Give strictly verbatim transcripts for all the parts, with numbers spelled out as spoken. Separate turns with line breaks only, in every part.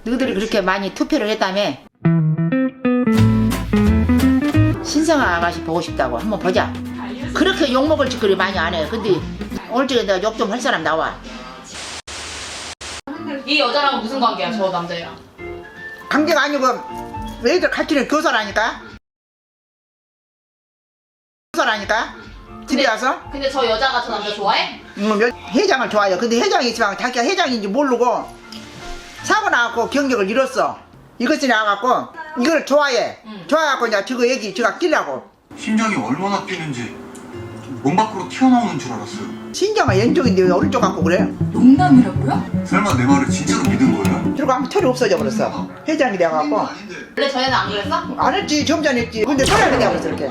너희들이 그렇게 많이 투표를 했다며. 신성아 아가씨 보고 싶다고. 한번 보자. 그렇게 욕먹을 짓거리 많이 안 해. 근데 오늘 저녁에 내가 욕 좀 할 사람 나와.
이 여자랑 무슨 관계야, 저 남자애랑?
관계가 아니고 애들 같이는 교사라니까. 교사라니까. 집에 와서.
근데 저 여자가 저 남자 좋아해?
음, 여- 회장을 좋아해요. 근데 회장이 있지만 자기가 회장인지 모르고 사고 나갖고 경력을 잃었어. 이것이 나와갖고 이걸 좋아해.
응.
좋아해갖고 이제 저거 얘기 저가 끼려고.
심장이 얼마나 뛰는지 몸 밖으로 튀어나오는 줄 알았어요.
신장은 왼쪽인데 왜 오른쪽 갖고 그래?
농담이라고요?
설마 내 말을 진짜로 믿은 거예요?
그리고 아무 털이 없어져 버렸어. 회장이 돼갖고.
아닌데.
원래 전에는 안 그랬어?
안 했지. 좀 전에 했지. 근데 소리가 돼버렸어 이렇게.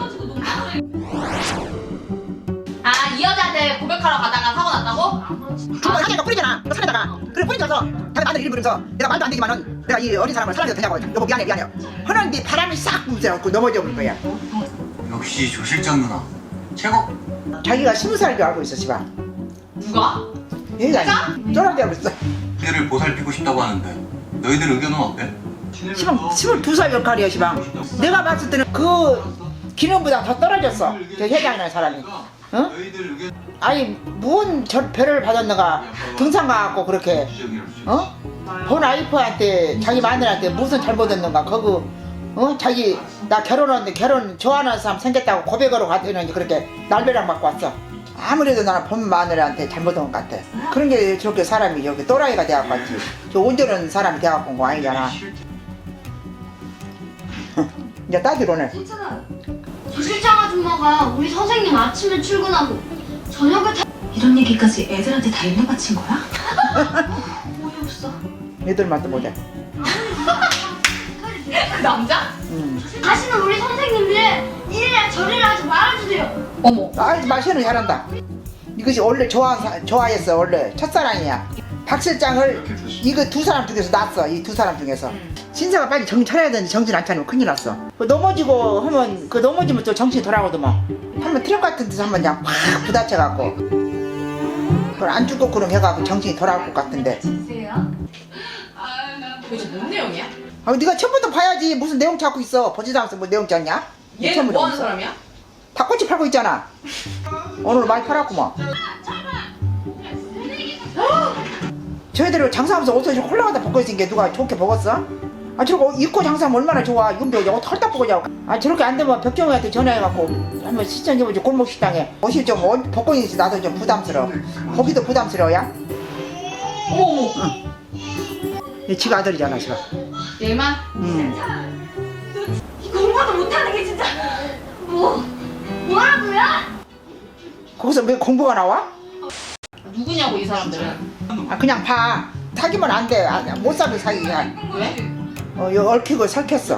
아, 이 여자한테 고백하러 가다가 사고 났다고?
주먹 사개가 뿌리잖아. 그 산에다가. 그래 뿌리져서 자기 마늘 이름 부르면서 내가 말도 안 되지만은 내가 이 어린 사람을 사랑해도 되냐고. 여보 미안해 미안해. 하는데 바람이 싹 불면서 넘어져 버린 거야.
역시 조 실장 누나 최고.
자기가 스무 살인 줄 알고 있어 시방.
누가?
회장이. 쫄아져 버렸어.
그들을 보살피고 싶다고 하는데 너희들 의견은 어때?
시방 스물두 살 역할이야 시방. 내가 봤을 때는 그 기능보다 더 떨어졌어. 저 회장이라는 사람이. 어?
너희들 의견
아니 뭔 저 별을 받았는가 등산 가갖고 그렇게 어? 본 와이프한테 자기 마누라한테 무슨 잘못했는가 그거 어? 자기 나 결혼하는데 결혼 좋아하는 사람 생겼다고 고백으로 갔더니 그렇게 날벼락 맞고 왔어. 아무래도 나는 본 마누라한테 잘못한 것 같아. 그런 게 저렇게 사람이 여기 또라이가 돼갖고 왔지. 저 온전한 사람이 돼갖고 온 거 아니잖아. 이제 딸들 오늘
조 실장 아줌마가 우리 선생님 아침에 출근하고 저녁에 다...
이런 얘기까지 애들한테 다 일러 바친 거야?
어이없어.
얘들만 또 보자.
그 남자?
음.
다시는 우리 선생님들 이래라 저래라 하지 말아주세요.
어머.
아, 마시는 잘한다. 이것이 원래 좋아 좋아했어. 원래 첫사랑이야. 박 실장을 이거 두 사람 중에서 낳았어. 이 두 사람 중에서. 신사가 빨리 정신 차려야 되는데 정신 안 차리면 큰일 났어. 그 넘어지고 하면 그 넘어지면 또 정신이 돌아오더만. 한번 트럭 같은 데서 한번 그냥 확 부딪혀갖고 그걸 안 죽고 그럼 해갖고 정신이 돌아올 것 같은데.
도대체 뭔 내용이야?
아, 네가 처음부터 봐야지. 무슨 내용 찾고 있어. 보지도 않았어. 뭐 내용 찾냐?
얘는
처음부터
뭐 하는
없어.
사람이야?
닭꼬치 팔고 있잖아. 오늘 많이 팔았구만. 저희들 장사하면서 옷을 홀라가다 벗고 있으니 게 누가 좋게 먹었어? 아 저거 입고 장사하면 얼마나 좋아. 이건 뭐 털딱 벗고 자고. 아 저렇게 안 되면 벽정이한테 전화해갖고 한번 시청해보지. 골목식당에 옷이 좀 옷 벗고 있는지 나도 좀 부담스러워. 거기도 부담스러워야?
어머, 어머.
얘 지가 아들이잖아 지가.
얘만?
음.
공부도 못하는 게 진짜 뭐 뭐라고요?
거기서 왜 공부가 나와?
누구냐고, 이 사람들은.
아 그냥 봐. 사귀면 안 돼. 아, 못 사귀 사귀야.
왜?
어, 이거 얽히고 설켰어.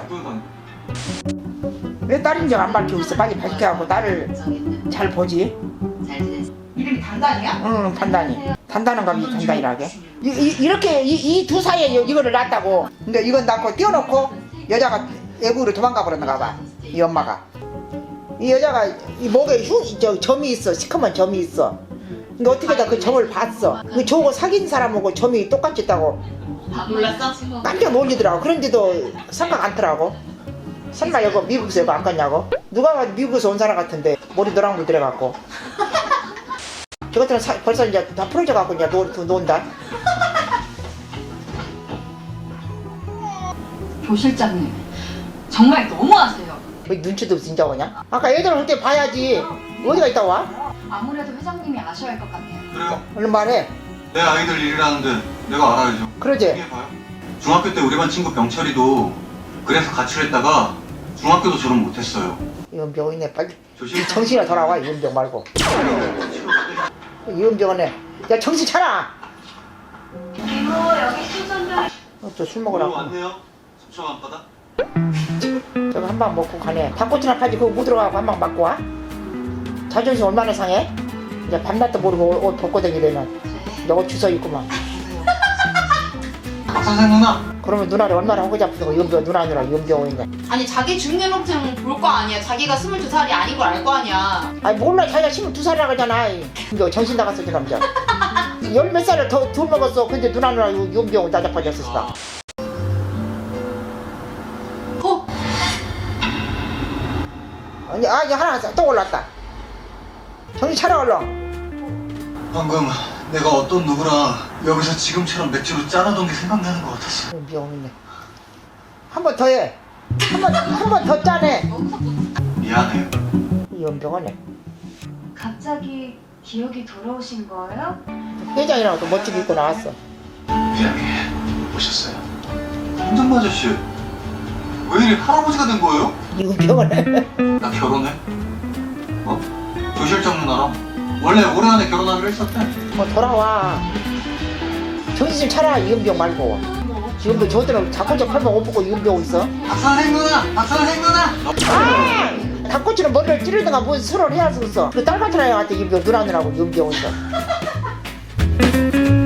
왜 딸인 줄 안 밝히고 있어? 빨리 밝혀갖고 딸을 잘 보지.
이름이 단단이야?
응, 단단히. 단단한 감이 단단이라게. 이, 이, 이렇게 이 두 사이에 이- 이거를 놨다고. 근데 이건 낳고 띄워놓고 여자가 외국으로 도망가 버렸는가 봐. 이 엄마가. 이 여자가 이 목에 흉, 저 점이 있어. 시커먼 점이 있어. 근데 어떻게다 그 점을 봤어. 그 저거 사귄 사람하고 점이 똑같이 있다고
놀랐어?
깜짝 놀리더라고. 그런데도 생각 않더라고. 설마 이거 미국에서 이거 안 갔냐고? 누가 봐도 미국에서 온 사람 같은데 머리 노랑불 들어갖고. 저것들은 사, 벌써 이제 다 풀어져갖고 이제 노, 논다.
조 실장님 정말 너무하세요.
왜 눈치도 없이 진짜 오냐? 아까 애들 올 때 봐야지. 어디가 있다 와?
아무래도 회장님이 아셔야 할 것 같아요.
그래요.
얼른 말해.
내 아이들 일이라는데 내가 알아야죠.
그러지?
해봐요. 중학교 때 우리 반 친구 병철이도 그래서 가출을 했다가 중학교도 졸업 못했어요.
이은병 있네. 빨리
조 실장
정신이 돌아와. 이은병 말고. 이은병은 해. 야 정신 차려.
그리고 여기 수선별
어, 또 술
오,
먹으라고.
왔네요. 속초 앞바다.
저거 한 방 먹고 가네. 닭꼬치나 팔지 그거 못 들어가고 한 방 맞고 와. 자존심 얼마나 상해? 이제 밤낮도 모르고 옷, 옷 벗고 다니려면 너 주워 입구만.
박선생 누나.
그러면 누나를 얼마나 하고 잡수고 이은병 누나 누나 이은병 있네.
아니, 자기 주민등록증 볼 거 아니야. 자기가 스물두 살이 아닌 걸 알 거 아니야.
아니 몰라. 자기가 스물두 살이라 그러잖아. 이거 정신 나갔어 저 남자. 열 몇 살을 더, 더 먹었어. 근데 누나 누나 이은병 나자빠졌어. 아니, 아, 이제 하나 또 올랐다. 정신 차려, 얼른.
방금 내가 어떤 누구랑 여기서 지금처럼 맥주로 짠하던 게 생각나는 것 같았어.
미안해. 한 번 더 해. 한 번, 한 번 더 짜네.
미안해요.
이 연병하네.
갑자기 기억이 돌아오신 거예요?
회장이랑 또 멋지게 입고 나왔어.
회장님 오셨어요. 현장 아저씨 왜 이리 할아버지가 된 거예요?
이은병하네.
나 결혼해? 뭐? 조 실장 누나랑 원래 올해 안에 결혼하기로 했었대.
뭐 돌아와. 정신 좀 차려, 이은병 말고. 이은병 저들은 닭꼬치 팔면 옷 벗고 이은병 있어.
박선생 누나! 박선생 누나!
아! 닭꼬치는 머리를 찌르든가 무슨 술을 해야 쓰겠어. 그 딸 같은 아이한테 이은병 누나 누나고 이은병 있어.